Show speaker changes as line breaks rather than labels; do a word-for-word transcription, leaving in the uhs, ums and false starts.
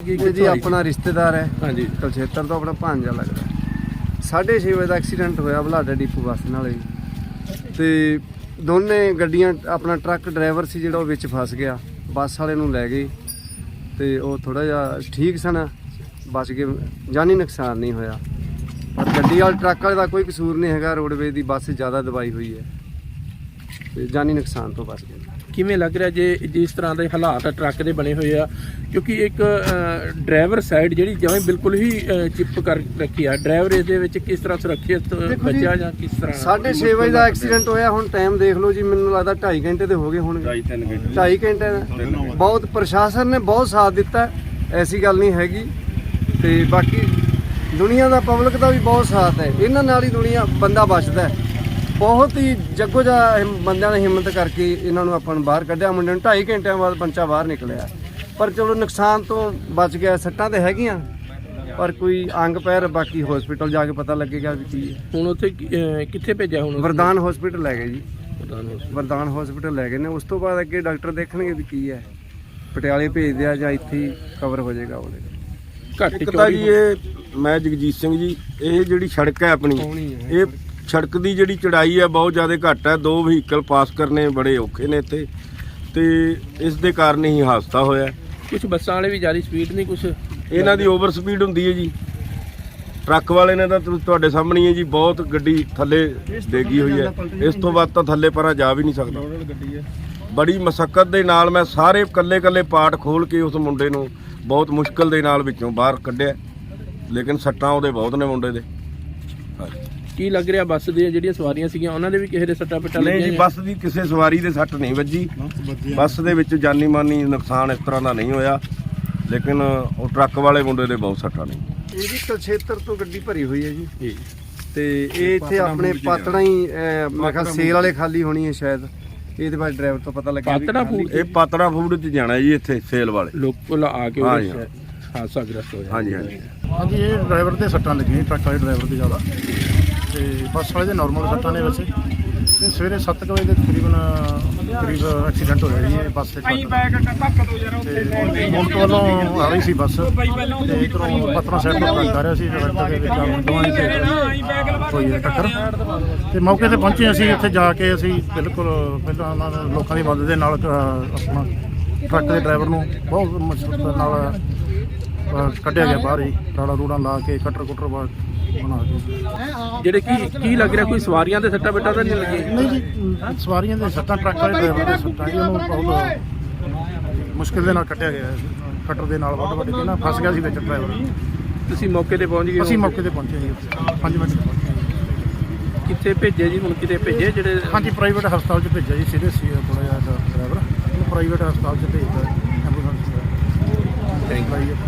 कि
जी अपना रिश्तेदार है।
हाँ जी
कुलछेतर तो अपना भांजा लगता है। साढ़े छे बजे का एक्सीडेंट होया बलाडा डिपू बस नाल ते दोने गड्डियां अपना ट्रक ड्राइवर सी जिहड़ा विच फस गया, बस वाले नूं लै गए ते ओह थोड़ा जिहा ठीक सन, बच गए, जानी नुकसान नहीं होया। पर गड्डी वाले ट्रक वाले दा कोई कसूर नहीं हैगा, रोडवेज दी बस ज़्यादा दबाई हुई है ते जानी नुकसान तो बच गए।
किवें लग रहा जे जिस तरह के हालात ट्रक के बने हुए आ, क्योंकि एक ड्राइवर साइड जी जमें बिल्कुल ही चिप कर रखी है, ड्राइवर ये किस तरह सुरक्षित बचा या किस तरह?
साढ़े छे बजे का एक्सीडेंट होया, हुण टाइम देख लो जी, मैनूं लगदा ढाई घंटे तो हो गए होणगे, ढाई घंटे बहुत प्रशासन ने बहुत साथ दिता, ऐसी गल नहीं हैगी। ते बाकी दुनिया का पब्लिक का भी बहुत साथ है, इन्हां नाल ही दुनिया बंदा बचदा है। बहुत ही जग्गो जा बंदिਆਂ ने हिम्मत करके इन्हां नूं ਆਪਾਂ ਨੂੰ ਬਾਹਰ ਕੱਢਿਆ। ਮੁੰਡੇ ਨੂੰ ਢਾਈ ਘੰਟਿਆਂ ਬਾਅਦ ਬੰਚਾ ਬਾਹਰ ਨਿਕਲਿਆ, ਪਰ ਚਲੋ ਨੁਕਸਾਨ ਤੋਂ ਬਚ ਗਿਆ। ਸੱਟਾਂ ਤੇ ਹੈਗੀਆਂ ਪਰ ਕੋਈ ਅੰਗ ਪੈਰ ਬਾਕੀ ਹਸਪੀਟਲ ਜਾ ਕੇ ਪਤਾ ਲੱਗੇਗਾ ਵੀ ਕੀ ਹੈ।
ਹੁਣ ਉੱਥੇ ਕਿੱਥੇ ਭੇਜਿਆ? ਹੁਣ
ਵਰਦਾਨ ਹਸਪੀਟਲ ਲੈ ਗਏ ਜੀ, ਵਰਦਾਨ ਹਸਪੀਟਲ ਲੈ ਗਏ ਨੇ। ਉਸ ਤੋਂ ਬਾਅਦ ਅੱਗੇ ਡਾਕਟਰ ਦੇਖਣਗੇ ਵੀ ਕੀ ਹੈ, ਪਟਿਆਲੇ ਭੇਜਦੇ ਆ ਜਾਂ ਇੱਥੇ ਹੀ ਕਵਰ ਹੋ ਜਾਏਗਾ ਉਹਦੇ।
ਘੱਟ
ਇੱਕ ਤਾਂ ਜੀ ਇਹ ਮੈਂ ਜਗਜੀਤ ਸਿੰਘ ਜੀ, ਇਹ ਜਿਹੜੀ ਸੜਕ ਹੈ ਆਪਣੀ, ਇਹ ਸੜਕ ਦੀ ਜਿਹੜੀ ਚੜਾਈ ਹੈ ਬਹੁਤ ਜ਼ਿਆਦਾ ਘੱਟ ਹੈ, ਦੋ ਵਹੀਕਲ ਪਾਸ ਕਰਨੇ ਬੜੇ ਔਖੇ ਨੇ ਇੱਥੇ, ਤੇ ਇਸ ਦੇ ਕਾਰਨ ਹੀ ਹਾਦਸਾ ਹੋਇਆ।
ਕੁਝ ਬੱਸਾਂ ਵਾਲੇ ਵੀ ਜ਼ਿਆਦਾ ਸਪੀਡ ਨਹੀਂ, ਕੁਝ
ਇਹਨਾਂ ਦੀ ਓਵਰ ਸਪੀਡ ਹੁੰਦੀ ਹੈ ਜੀ। ਟਰੱਕ ਵਾਲੇ ਨੇ ਤਾਂ ਤੁਹਾਡੇ ਸਾਹਮਣੇ ਹੈ ਜੀ, ਬਹੁਤ ਗੱਡੀ ਥੱਲੇ ਡੇਗੀ ਹੋਈ ਹੈ, ਇਸ ਤੋਂ ਬਾਅਦ ਤਾਂ ਥੱਲੇ ਪਰਾਂ ਜਾ ਵੀ ਨਹੀਂ ਸਕਦਾ। ਬੜੀ ਮਸ਼ੱਕਤ ਦੇ ਨਾਲ ਮੈਂ ਸਾਰੇ ਕੱਲੇ ਕੱਲੇ ਪਾਰਟ ਖੋਲ ਕੇ ਉਸ ਮੁੰਡੇ ਨੂੰ ਬਹੁਤ ਮੁਸ਼ਕਲ ਦੇ ਨਾਲ ਵਿੱਚੋਂ ਬਾਹਰ ਕੱਢਿਆ, ਲੇਕਿਨ ਸੱਟਾਂ ਉਹਦੇ ਬਹੁਤ ਨੇ ਮੁੰਡੇ ਦੇ।
ਕੀ ਲੱਗ ਰਿਹਾ ਬੱਸ ਦੀਆਂ ਜਿਹੜੀਆਂ ਸਵਾਰੀਆਂ ਸੀਗੀਆਂ ਉਹਨਾਂ ਦੇ ਵੀ ਕਿਸੇ ਦੇ ਸੱਟਾਂ ਪਿੱਟਾਂ
ਨਹੀਂ ਜੀ, ਬੱਸ ਦੀ ਕਿਸੇ ਸਵਾਰੀ ਦੇ ਸੱਟ ਨਹੀਂ ਵੱਜੀ, ਬੱਸ ਦੇ ਵਿੱਚ ਜਾਨੀ ਮਾਨੀ ਨੁਕਸਾਨ ਇਸ ਤਰ੍ਹਾਂ ਦਾ ਨਹੀਂ ਹੋਇਆ, ਲੇਕਿਨ ਉਹ ਟਰੱਕ ਵਾਲੇ ਮੁੰਡੇ ਦੇ ਬਹੁਤ ਸੱਟਾਂ ਨੇ।
ਇਹ ਜੀ ਕੁਲਛੇਤਰ ਤੋਂ ਗੱਡੀ ਭਰੀ ਹੋਈ ਹੈ ਜੀ, ਤੇ ਇਹ ਇੱਥੇ ਆਪਣੇ ਪਾਤੜਾ ਹੀ ਮੈਂ ਕਿਹਾ ਸੇਲ ਵਾਲੇ ਖਾਲੀ ਹੋਣੀ ਹੈ ਸ਼ਾਇਦ, ਇਹਦੇ ਬਾਅਦ ਡਰਾਈਵਰ ਤੋਂ ਪਤਾ ਲੱਗਿਆ
ਪਾਤੜਾ ਫੂਡ,
ਇਹ ਪਾਤੜਾ ਫੂਡ 'ਚ ਜਾਣਾ ਜੀ, ਇੱਥੇ ਸੇਲ ਵਾਲੇ
ਲੋਕਲ ਆ ਕੇ ਹਾਦਸਾ ਗ੍ਰਸਤ ਹੋਇਆ।
ਹਾਂਜੀ ਹਾਂਜੀ
ਹਾਂਜੀ, ਇਹ ਡਰਾਈਵਰ ਦੇ ਸੱਟਾਂ ਲੱਗੀਆਂ, ਟਰੱਕ ਵਾਲੇ ਡਰਾਈਵਰ ਦੇ ਜ਼ਿਆਦਾ, ਤੇ ਬੱਸ ਵਾਲੇ ਦੇ ਨਾਰਮਲ ਸੱਟਾਂ ਨੇ ਵੈਸੇ। ਤੇ ਸਵੇਰੇ ਸੱਤ ਕੁ ਵਜੇ ਦੇ ਤਕਰੀਬਨ ਕਰੀਬ ਐਕਸੀਡੈਂਟ ਹੋਇਆ ਜੀ ਇਹ ਬੱਸ ਤੇ ਟਰੱਕ ਤੇ ਮੁਲਕ ਵੱਲੋਂ ਆ ਰਹੀ ਸੀ ਬੱਸ, ਤੇ ਇੱਧਰੋਂ ਪਤਰਾ ਸਾਈਡ ਤੋਂ ਟਰੱਕ ਆ ਰਿਹਾ ਸੀ, ਟਰੱਕ ਦੇ ਵਿੱਚ ਦੋਵਾਂ ਦੀ ਹੋਈ ਹੈ ਟੱਕਰ। ਤੇ ਮੌਕੇ ਤੇ ਪਹੁੰਚੇ ਅਸੀਂ, ਇੱਥੇ ਜਾ ਕੇ ਅਸੀਂ ਬਿਲਕੁਲ ਪਹਿਲਾਂ ਉਹਨਾਂ ਦੇ ਲੋਕਾਂ ਦੀ ਮਦਦ ਦੇ ਨਾਲ ਆਪਣਾ ਟਰੱਕ ਦੇ ਡਰਾਈਵਰ ਨੂੰ ਬਹੁਤ ਮੁਸ਼ਕਲ ਨਾਲ ਕੱਢਿਆ ਗਿਆ ਬਾਹਰ ਹੀ, ਰਾੜਾ ਰੂੜਾ ਲਾ ਕੇ ਕਟਰ ਕੁਟਰ ਬਣਾ ਕੇ।
ਜਿਹੜੇ ਕੀ ਕੀ ਲੱਗ ਰਿਹਾ ਕੋਈ ਸਵਾਰੀਆਂ ਦੇ ਸੱਟਾਂ ਪਿੱਟਾਂ ਤਾਂ ਨਹੀਂ ਲੱਗੀਆਂ?
ਨਹੀਂ ਜੀ, ਸਵਾਰੀਆਂ ਦੇ ਸੱਟਾਂ ਟਰੱਕ ਵਾਲੇ ਡਰਾਈਵਰ ਦੇ ਸੱਟਾਂ ਜੀ, ਉਹਨੂੰ ਬਹੁਤ ਮੁਸ਼ਕਿਲ ਦੇ ਨਾਲ ਕੱਢਿਆ ਗਿਆ, ਕਟਰ ਦੇ ਨਾਲ ਵੱਢ ਵੱਢ ਕੇ ਨਾ ਫਸ ਗਿਆ ਸੀ ਵਿੱਚ ਡਰਾਈਵਰ।
ਤੁਸੀਂ ਮੌਕੇ ਤੇ ਪਹੁੰਚ ਗਏ?
ਅਸੀਂ ਮੌਕੇ ਤੇ ਪਹੁੰਚੇ ਜੀ, ਪੰਜ ਮਿੰਟ ਤੇ ਪਹੁੰਚੇ।
ਕਿੱਥੇ ਭੇਜੇ ਜੀ? ਹੁਣ ਕਿਤੇ ਭੇਜੇ ਜਿਹੜੇ?
ਹਾਂਜੀ, ਪ੍ਰਾਈਵੇਟ ਹਸਪਤਾਲ 'ਚ ਭੇਜਿਆ ਜੀ, ਸੀਰੀਅਸ ਸੀ ਥੋੜ੍ਹਾ ਜਿਹਾ ਡਰਾਈਵਰ, ਉਹਨੂੰ ਪ੍ਰਾਈਵੇਟ ਹਸਪਤਾਲ 'ਚ ਭੇਜਦਾ ਐਂਬੂਲੈਂਸ। Thank you.